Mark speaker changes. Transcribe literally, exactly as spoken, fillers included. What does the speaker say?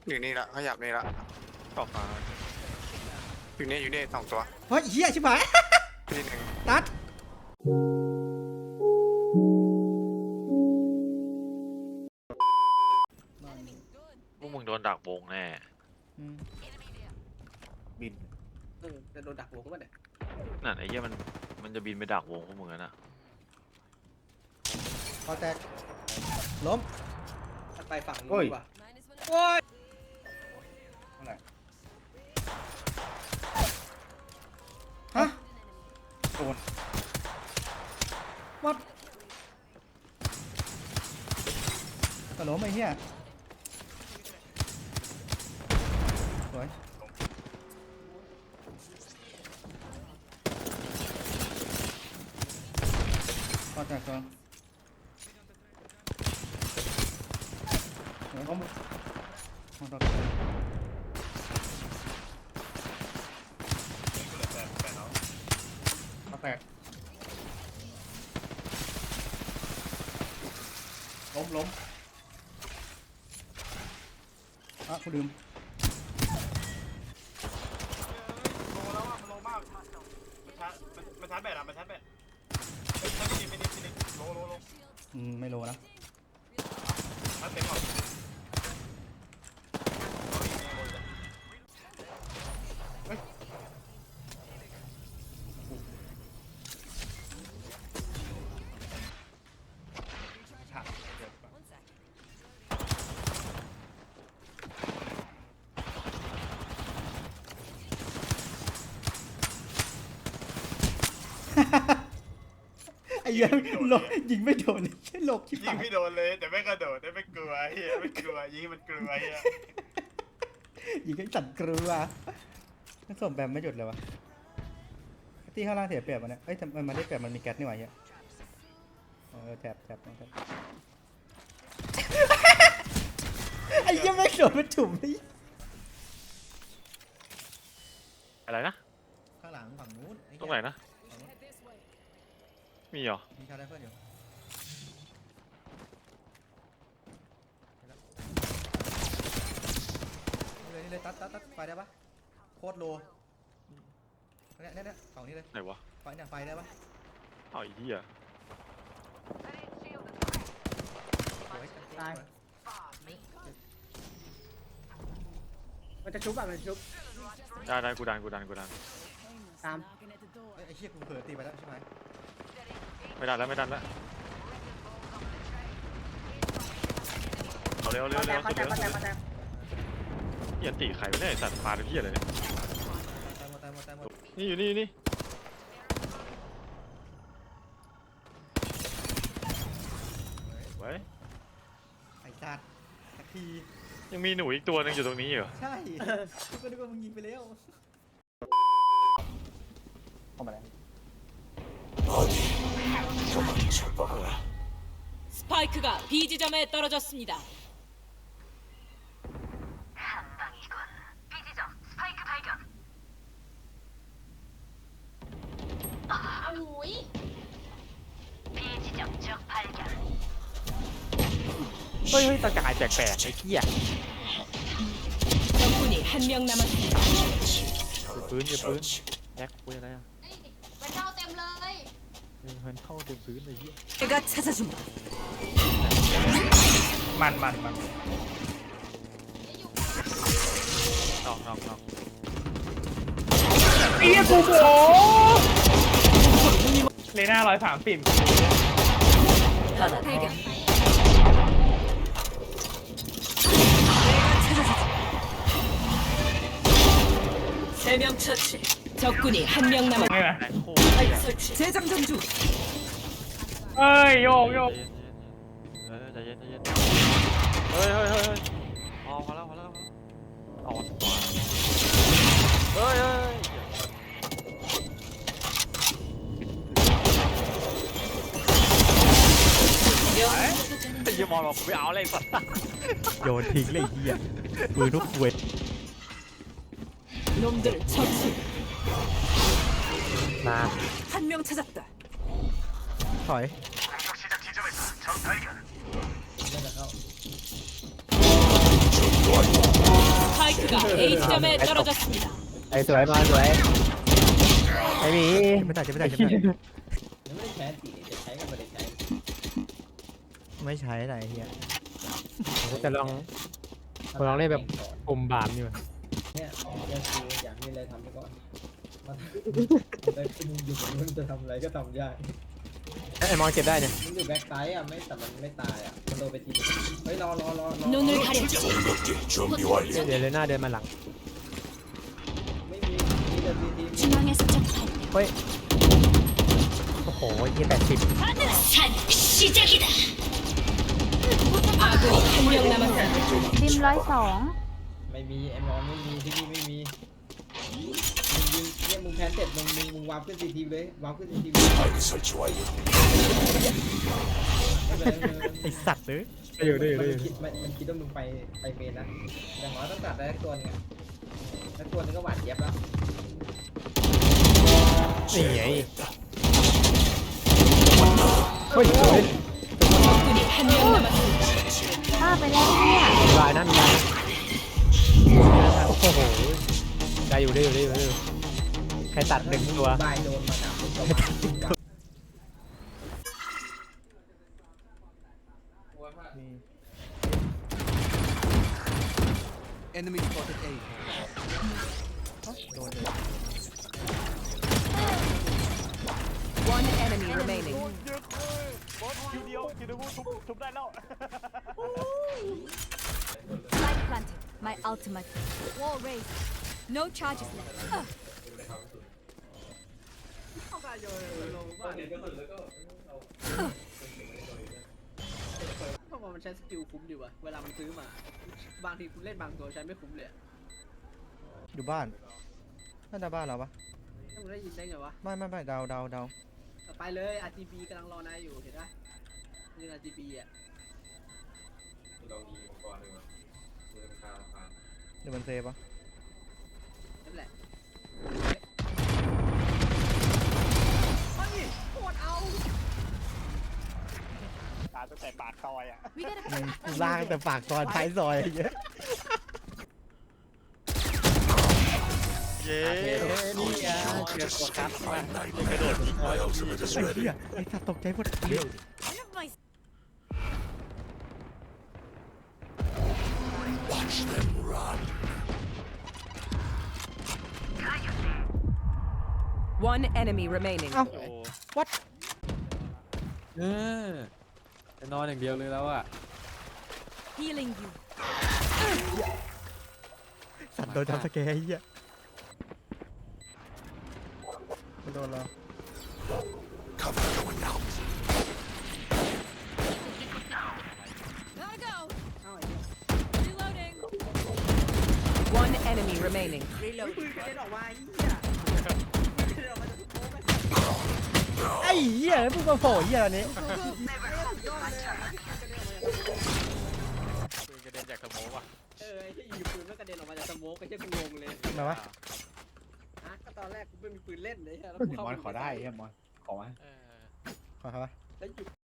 Speaker 1: อยู่นี่ละขยับนี่ละ
Speaker 2: ตอกฟ้า
Speaker 1: อยู่นี่อยู่นี่สองตัว
Speaker 3: เฮ้ยเฮียชิบหาย
Speaker 1: ที่หนึ่ง
Speaker 3: ตัด
Speaker 2: พวกมึงโดนดักวงแน่
Speaker 3: อืม
Speaker 4: บินเออจะโดนดักวงก็ไม่ได้
Speaker 2: นั่นไอ้เหี้ยมันมันจะบินไปดักวงพวกมึงนะ
Speaker 3: พอแตกล้ม
Speaker 4: ถ้าไปฝั่งนู้นดีกว่าโอ้ยอะไร
Speaker 3: ฮะ
Speaker 4: โดน
Speaker 3: วัดกระโหลกไอ้เหี้ยสวยพอแตกก่อนสวย
Speaker 4: ล้ม
Speaker 3: พอแตก
Speaker 4: เขาแตกล้มล้ม
Speaker 3: อ่ะกูลืม
Speaker 5: โลแล้วอ่ะมันโลมากมันชาร์จมันมันชาร์จแบตอ่ะมันชาร์จแบตไม่ไม่ดีไม่ดีไม่ดีโลโลโล
Speaker 3: อืมไม่โลนะ
Speaker 5: ชาร์จเต็มก่อน
Speaker 3: ไอ้เหี้ยโลยิงไม่โดนใช่โลกชิบ
Speaker 5: ยิ
Speaker 3: หาง ย
Speaker 5: ไม่โดนเลยแต่ไม่กระโดดแต่ไม่กลัวเฮียไม่กลัวยิงมันกลัวเฮีย
Speaker 3: ยิงให้สั่นกลัวถ้าส่งแบบไม่หยุดเลยวะที่ข้างล่างเสียเปรียบมันเนี่ยเอ้ยทำไมมันได้เปรียบมันมีแก๊สนี่หว่าเฮียเออแถบแถบแถบไอ้เหี้ยังไม่โดนมันถุ่มไอ้
Speaker 2: อะไรนะ
Speaker 3: ข้างหลังฝั่งนู้น
Speaker 2: ตรงไหนนะมีเหรอ
Speaker 3: มีชาร์จไรเฟิลอยู่นี่เลยนี่เลยตัดตัดตัดไฟได้ปะโคตรโลเนี่ยเนี่ยเนี่ยฝั่งนี้เลย
Speaker 2: ไหนวะ
Speaker 3: ไฟเนี่ยไฟได้ปะ
Speaker 2: เอาไอ้เหี้ย
Speaker 3: สวย
Speaker 4: ตายมันจะชุบอ่ะมันจะชุบ
Speaker 2: ได้ได้กูดันกูดันกูดัน
Speaker 4: ตาม
Speaker 3: เอ้ยไอ้เชี่ยกูเผลอตีไปแล้วใช่ไหม
Speaker 2: ไม่ดันแล้วไม่ดันแล้วเอาเร็วเร็ว
Speaker 4: มาแต
Speaker 2: เร็
Speaker 4: ก
Speaker 2: ว
Speaker 4: มา
Speaker 2: สุด
Speaker 4: แต
Speaker 2: เร็
Speaker 4: ก
Speaker 2: ว
Speaker 4: มาแตกมาแตก
Speaker 2: เหี้ยตีไข่ไม่ได้สัตว์พาไปเหี้ยเลยเนี่ย
Speaker 3: ตายหมดตายหมดตายหมด
Speaker 2: นี่อยู่นี่นี่ ไว้
Speaker 3: ไอ้จัดสักที
Speaker 2: ยังมีหนูอีกตัวหนึงอยู่ตรงนี้เหรอ
Speaker 3: ใช่กูก็นึกว่ามึงยิงไปแล้ว
Speaker 4: เข้ามาแล้ว
Speaker 6: 스파이크가 B 지점에 떨어졌습니다.
Speaker 7: 한방이군. B지점 스파이크 발견.
Speaker 6: 오이?
Speaker 7: B지점 적 발견.
Speaker 4: เฮ้ยเฮ้ยตะกายแปลกๆไอ้เหี้ย
Speaker 6: 적군이 한 명 남았습니다.
Speaker 4: ปืนอย่าปืนแอคปืนอะไรอ่ะ
Speaker 6: มันเข้าเต็มเลย
Speaker 4: มันเข้าเต็มพื้นเลยเหี้ย
Speaker 6: 내가 찾아준다.
Speaker 4: มันมันมัน
Speaker 2: นอกนอกนอก
Speaker 4: เอี้ยกูโบเลน่าร้อยสามสิบ
Speaker 6: 하나 발견. 세 명 처치. 적군이 한 명
Speaker 4: ไม่
Speaker 6: 남았.
Speaker 4: ไหม
Speaker 2: แรงโคตรเหี้ย
Speaker 6: 설치. 재장전 중.
Speaker 4: เอ้ยโยกโยก
Speaker 2: ใจเย็นใจเย็นเฮ้ยเฮ้ยเฮ้ยเฮ้ยพอพอแล้วพอแล้วพอแล้วเอาเฮ้ยเฮ้ยไอ้ยี่มอนบอกไม่เอาเลยสัตว์
Speaker 3: โยนทิ้งเลยเหี้ยปืนทุกเวท
Speaker 6: 놈들 처치.
Speaker 3: นาน
Speaker 6: 한 명 찾았다.
Speaker 3: ถอย
Speaker 5: 공격 시작 지점에서 적 발견.
Speaker 6: A 지점에 떨어졌습니다.
Speaker 8: ไอ้สวยมาสวยไอ้หมี
Speaker 3: ไม่ได้จะไม่ได้จะไม่ได้
Speaker 4: ยังไม่ได้ใช้ตีจะใช้ก็ไม่ได้ใช้
Speaker 3: ไม่ใช้อะไรเฮีย
Speaker 8: ผมจะลองผมลองเล่นแบบปุ่มบามอยู่
Speaker 4: เนี่ยเรื่องคืออยากมีอะไรทำไปก่อนมันไปคุณอยู่กับมึงจะทำอะไรก็ทำได้
Speaker 8: ไอ้มองเก็บได้เนี่ย
Speaker 4: มึงอยู่แบ็คไซด์อ่ะไม่แต่มันไม่ตายอ่ะมันโดนไปทีนึงเฮ้ยรอรอรอรอ
Speaker 6: 눈을 가렸지.
Speaker 8: เดี๋ยวเลยหน้าเดินมาหลัง
Speaker 4: ไม่มีมีแต่ทีที
Speaker 6: 중앙에서 접할
Speaker 8: เฮ้ยโอ้โหยี่แปดสิบ
Speaker 6: 산 시작이다. 아군이 한 명 남았습니다.
Speaker 9: ริมร้อยสอง
Speaker 4: ไม่มีไอ้มอนไม่มีที่นี่ไม่มีมึงยิงเนี่ยมึงแพนเสร็จมึงมึงมึงวาร์ปขึ้นทีทีเลยวาร์ปขึ้นทีทีเลยไม่เป็นไรไม่เป็นไร
Speaker 3: ไอสัตว์เลย
Speaker 8: ได้อยู่ได้อยู่
Speaker 4: มั
Speaker 8: ได้
Speaker 4: น
Speaker 8: อยู่
Speaker 4: คิดมันมันคิดว่ามึงไปไปเมนนะอย่างน้อยต้องตัดได้สักตัวหนึงอะสักตัวหนึงก็หวานเจี๊ยบแล้ว
Speaker 8: นี่ไงเฮ้ยสวย
Speaker 6: 적군이 한 명 남았습니다.
Speaker 9: ฆ่าไปแล้วเนี่ย
Speaker 8: มีลายนะมีลายนะโอ้โหได้อยู่ได้อยู่ได้อยู่ได้อยู่ใครตัดหนึ่งตัว
Speaker 4: บายโดนมาดับมึงก็มาจับ
Speaker 6: One enemy remaining.
Speaker 2: คิวเดียวคิวเดียวทุบทุบได้แล้ว
Speaker 9: Spike planted. My ultimate. Wall raised. No charges left. Ugh.
Speaker 4: เพราะว่ามันใช้สกิลคุ้มดีว่ะเวลามันซื้อมา บางทีคุณเล่นบางตัวใช้ไม่คุ้มเลยอะ
Speaker 3: อยู่บ้านน่าจะบ้านเราปะ
Speaker 4: ถ้ามึงได้ยินได้ไงวะ
Speaker 3: ไม่ไม่ไม่เดาเดาเดา
Speaker 4: ไปเลย อาร์ จี บี กำลังรอนายอยู่เห็นปะนี่ อาร์ จี บี อ่ะ
Speaker 3: เดี๋ยวมันเซฟปะ
Speaker 4: นั่นแหละเฮ้ยโคตรเอา
Speaker 2: ตาตั้งแต่ปากซอยอ่ะ
Speaker 9: We gotta
Speaker 3: มึง
Speaker 9: put
Speaker 3: ล่างแต่ปากซอยท้ายซอยไอ้เงี้ย
Speaker 2: เย้นี่ไงเจอตัวครับมากระโดดยิง
Speaker 3: ไอ้เหี้ยไอ้สัตว์ตกใจหมดเหี้ย
Speaker 9: one of my
Speaker 6: One enemy remaining.
Speaker 3: เอ้า
Speaker 2: โอ้
Speaker 3: what
Speaker 8: เออจะนอนอย่างเดียวเลยแล้วอ่ะ
Speaker 9: healing you.
Speaker 3: สัตว์โดนทำสแกร์ไอ้เหี้ยไม่โดนเรา
Speaker 9: Gotta go. Reloading.
Speaker 6: One enemy remaining.
Speaker 4: ปืนกระเด็นออกมาไอ้เหี้ยปืนกระเด็นออกมาจากโต๊ะไป
Speaker 3: ไอ้เหี้ยแล้วมึงมาโผล่เหี้ยอะไรนี้
Speaker 2: ปืนกระเด็นจากสโมกว่ะ
Speaker 4: เออไอ้ที่ยิงปืนแล้วกระเด็นออกมาจากสโมกไอ้ที่กูงงเลย
Speaker 3: มาวะ
Speaker 4: ฮะก็ตอนแรกกูไม่มีปืนเล่นเลยแล้ว
Speaker 3: มอนขอได้เฮียมอนขอมา
Speaker 2: เออ
Speaker 3: ขอครับวะ
Speaker 4: แล้วหยุด